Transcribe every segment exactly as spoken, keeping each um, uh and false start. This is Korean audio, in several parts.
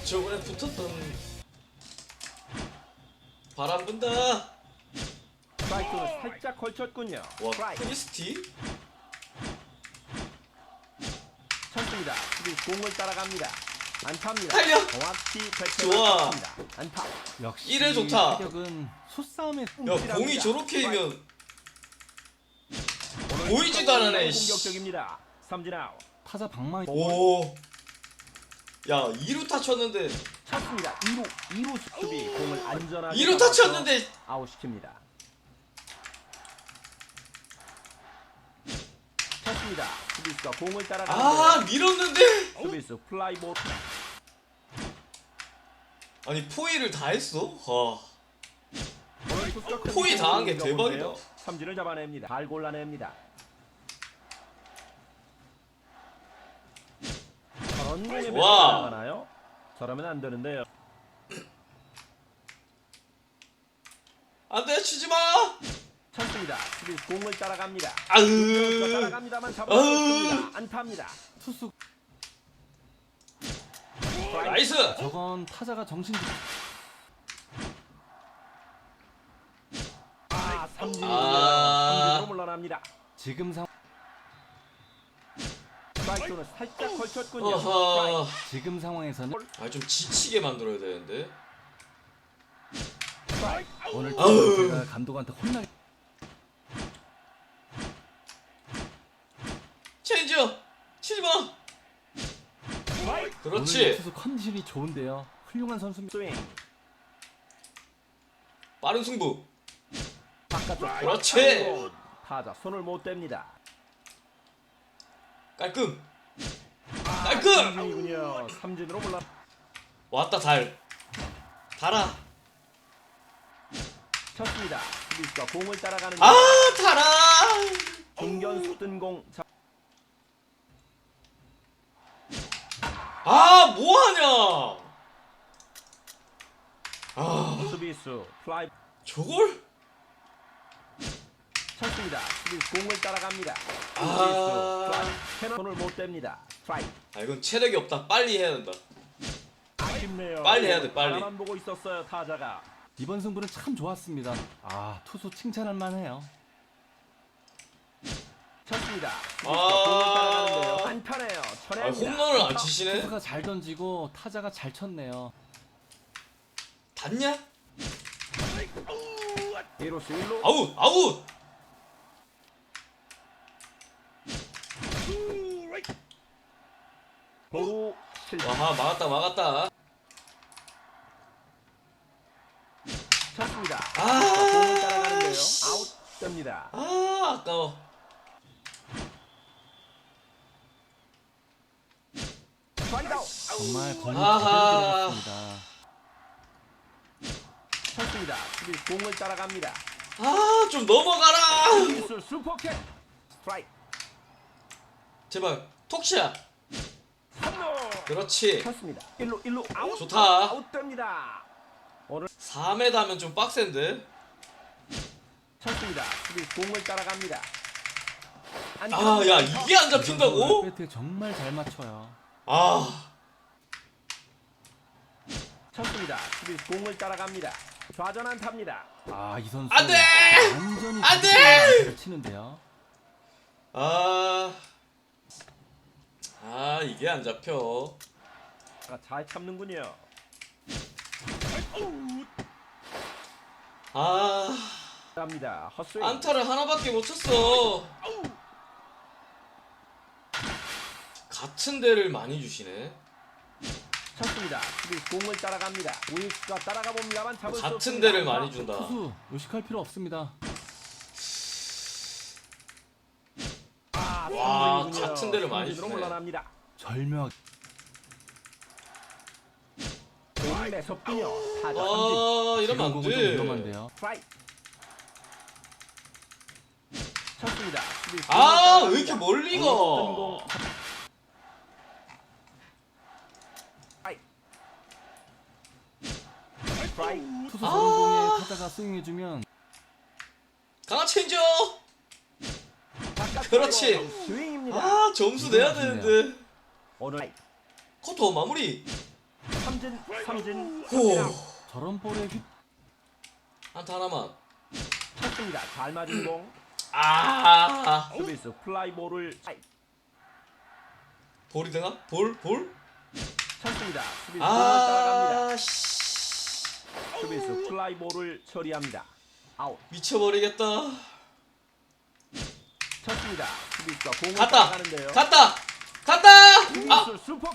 저번에 붙었던 바람 분다. 스트라이크는 살짝 걸쳤군요. 와, 스트라이크. 크리스티? 쳤습니다. 수비 공을 따라갑니다. 안타입니다. 달려! 정확히 좋아. 배치했습니다. 안타. 역시 이래 좋다. 타격은 소싸움에 야, 공이 저렇게이면 보이지도 않네. 공격적입니다. 삼진 아웃. 타자 방망이 오. 야, 이 루타 쳤는데 쳤습니다. 이 루 이 루 수비 공을 안전하게 이 루타 잡아서 쳤는데 아웃시킵니다. 쳤습니다. 수비수가 공을 아, 따라가는데 밀었는데. 수비수 플라이볼. 아니, 포위를 다 했어? 아. 포위 포위 당한 게 대박이다. 삼진을 잡아냅니다. 잘 골라냅니다. 저런 공에 몇 와. 나가나요? 저러면 안 되는데요. 안 돼, 치지 마. 쳤습니다. 수비 공을 따라갑니다. 아으. 따라갑니다만 잡아냈습니다. 안타입니다. 투수 나이스. 저건 타자가 정신 아, 삼진. 아. 삼진으로 물러납니다. 지금 상 스트라이크는 살짝 걸쳤군요. 어허. 지금 상황에서는 아, 좀 지치게 만들어야 되는데. 스트라이크. 오늘 아우. 제가 감독한테 혼나게 체인지어. 치지 마. 스트라이크. 오늘 그렇지. 투수 컨디션이 좋은데요. 훌륭한 선수입니다. 스윙. 빠른 승부. 바깥쪽. 그렇지. 타자 손을 못 댑니다. 깔끔. 깔끔. 삼진이군요. 삼진으로 물러. 왔다 달. 달아. 쳤습니다. 수비수가 공을 따라가는 아, 달아. 중견수 뜬 공. 자, 아, 뭐하냐. 아, 수비수 플라이. 저걸? 쳤습니다. 수비수 공을 따라갑니다. 아. 수비수 플라이. 캐논 손을 못 댑니다. 스트라이크. 아, 이건 체력이 없다. 빨리 해야 된다. 아쉽네요. 빨리 해야 돼, 빨리. 바라만 보고 있었어요. 타자가. 이번 승부는 참 좋았습니다. 아 투수 칭찬할 만해요. 쳤습니다. 수비수가 아. 공을 따라가는데요. 안타네요. 아, 쳐냅니다. 홈런을 안 치시네? 투수가 잘 던지고 타자가 잘 쳤네요. 닿냐? 이루스 일루. 아웃! 아웃! 도루 실패. 와하, 막았다, 막았다. 쳤습니다. 아. 공을 따라가는데요. 아웃됩니다. 아, 아까워. 스트라이크 아웃. 정말 공이 아하. 제대로 들어갔습니다. 쳤습니다. 수비 공을 따라갑니다. 아, 좀 넘어가라! 수비수 슈퍼캐. 스트라이크. 제발, 톡샷! 삼 루. 그렇지. 쳤습니다. 일루 일루 아웃. 좋다. 아웃됩니다. 오늘 사 미터면 좀 빡센데? 쳤습니다. 수비 공을 따라갑니다. 아, 야, 이게 안 잡힌다고? 배트 정말 잘 맞춰요. 아, 쳤습니다. 수비 공을 따라갑니다. 좌전 안타입니다. 아 이 선수 안 돼! 완전히 안 돼! 안타를 치는데요. 아, 아, 이게 안 잡혀. 아, 잘 참는군요. 아, 합니다. 헛스윙. 안타를 하나밖에 못 쳤어. 같은 데를 많이 주시네. 쳤습니다. 수비 공을 따라갑니다. 우익수가 따라가 봅니다만 잡을 수 같은 없습니다. 데를 많이 준다. 투수 의식할 필요 없습니다. 아, 와, 삼진이군요. 같은 데를 많이 삼진으로 주네. 물러납니다. 절묘하게 공이 매섭군요. 타자 삼진. 아, 이러면 지금 안 공은 좀 돼. 위험한데요. 스트라이크. 쳤습니다. 수비 공을 아, 따라갑니다. 왜 이렇게 멀리 가? 어떤 공. 스트라이크. 투수 아. 서른 공에 타자가 스윙해주면 강화 체인저! 바깥 그렇지. 스윙입니다. 아, 점수 내야 되는데. 오늘 커터 마무리. 삼진 삼진 호. 삼진 저런 볼에 휘... 안타 하나만. 쳤습니다. 잘 맞은 공. 아. 수비수 플라이볼을 볼이 되나? 볼? 볼? 쳤습니다. 수비수 공을 따라갑니다. 아, 씨. 수비수 플라이볼을 처리합니다. 아웃. 미쳐버리겠다. 쳤습니다. 수비수가 공을 갔다. 따라가는데요. 갔다. 갔다. 아. 수비수 슈퍼.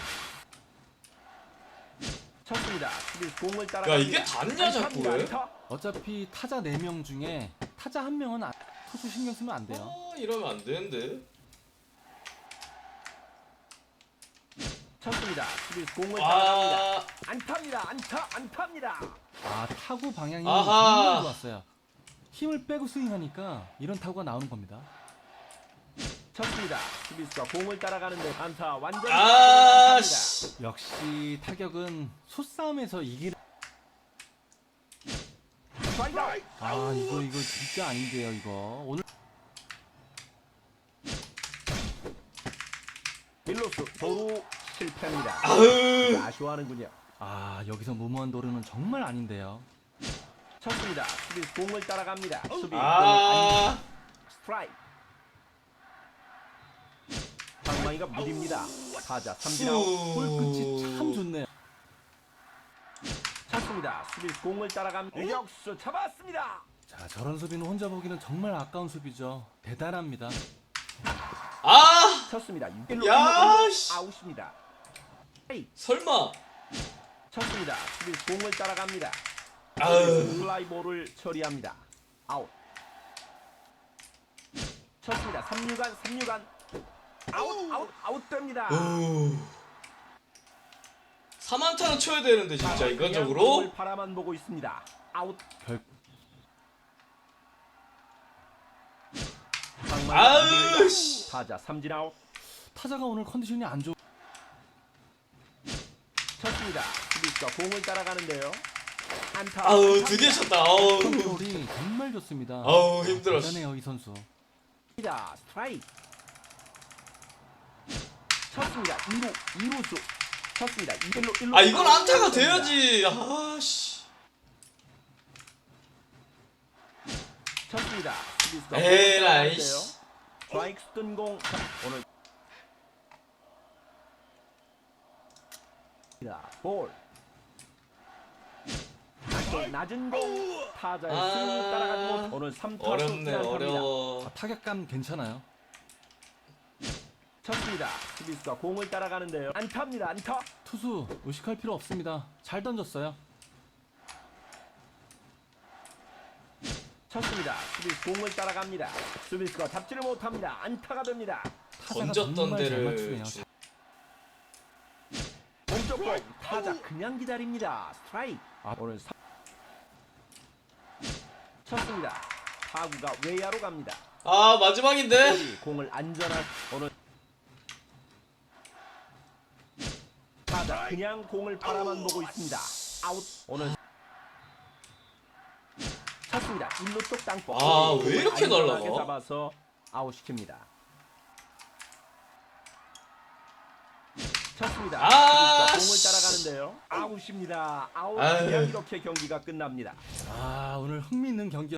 쳤습니다. 수비수 공을 따라갑니다. 야, 이게 닿냐, 자꾸 왜? 안타. 어차피 타자 네 명 중에 타자 한 명은 안... 투수 신경 쓰면 안 돼요. 아, 이러면 안 되는데. 쳤습니다. 수비수 공을 따라갑니다. 아. 안타입니다. 안타 안타입니다. 아, 타구 방향이 아하. 정말 좋았어요. 힘을 빼고 스윙하니까 이런 타구가 나오는 겁니다. 쳤습니다. 수비수가 공을 따라가는데 안타 완전히 아, 안타입니다. 씨. 역시 타격은 소싸움에서 이길... 스트라이크 아웃. 아, 이거 이거 진짜 아닌데요, 이거. 오늘 일루수 도루 실패입니다. 아으. 아쉬워하는군요. 아, 여기서 무모한 도루는 정말 아닌데요. 쳤습니다. 수비수 공을 따라갑니다. 수비 공을 아. 안 스트라이크. 방망이가 무딥니다. 타자 삼진 아웃. 볼 끝이 참 좋네요. 쳤습니다. 수비수 공을 따라갑니다. 유격수 잡았습니다. 자, 저런 수비는 혼자 보기는 정말 아까운 수비죠. 대단합니다. 아. 쳤습니다. 야, 씨. 아웃입니다. 에이, 설마. 쳤습니다. 수비수 공을 따라갑니다. 아으. 플라이볼을 처리합니다. 아웃. 쳤습니다. 삼루간 삼루간 아웃 아웃 아웃됩니다. 삼 안타는 쳐야 되는데 진짜 그냥 인간적으로. 공을 바라만 보고 있습니다. 아웃. 결... 아으, 씨. 타자 삼진 아웃. 타자가 오늘 컨디션이 안 좋... 쳤습니다. 수비수가 공을 따라가는데요. 안타. 아우, 드디어 쳤다. 아우. 컨트롤이 정말 좋습니다. 아우, 힘들어. 대단해요, 이 선수. 쳤습니다. 스트라이크. 쳤습니다. 이루 이루수. 쳤습니다. 일루 일루. 아, 이건 안타가 돼야지. 아, 씨. 쳤습니다. 수비수가 에라이, 공을 따라가는데요. 씨. 스트라이크 뜬 공. 오늘 볼. 안쪽 낮은 공. 타자의 아, 스윙 따라가지 못. 오늘 삼 타수 어렵네, 어려워. 아, 타격감 괜찮아요. 쳤습니다. 수비수가 공을 따라가는데요. 안타입니다. 안타. 투수 의식할 필요 없습니다. 잘 던졌어요. 쳤습니다. 수비수 공을 따라갑니다. 수비수가 잡지를 못합니다. 안타가 됩니다. 타자가 던졌던 정말 잘 데를 맞추네요. 주- 몸쪽 공. 타자 그냥 기다립니다. 스트라이크. 아. 오늘 사... 쳤습니다. 타구가 외야로 갑니다. 아, 마지막인데. 수비 공을 안전한 오늘 타자 그냥 공을 바라만 보고 있습니다. 아웃. 오늘 쳤습니다. 일루 쪽 땅볼. 아, 왜 이렇게 안전하게 날라가? 잡아서 아웃시킵니다. 쳤습니다. 아, 공을 씨. 따라가는데요. 아웃입니다. 아웃. 아유. 그냥 이렇게 경기가 끝납니다. 아, 오늘 흥미있는 경기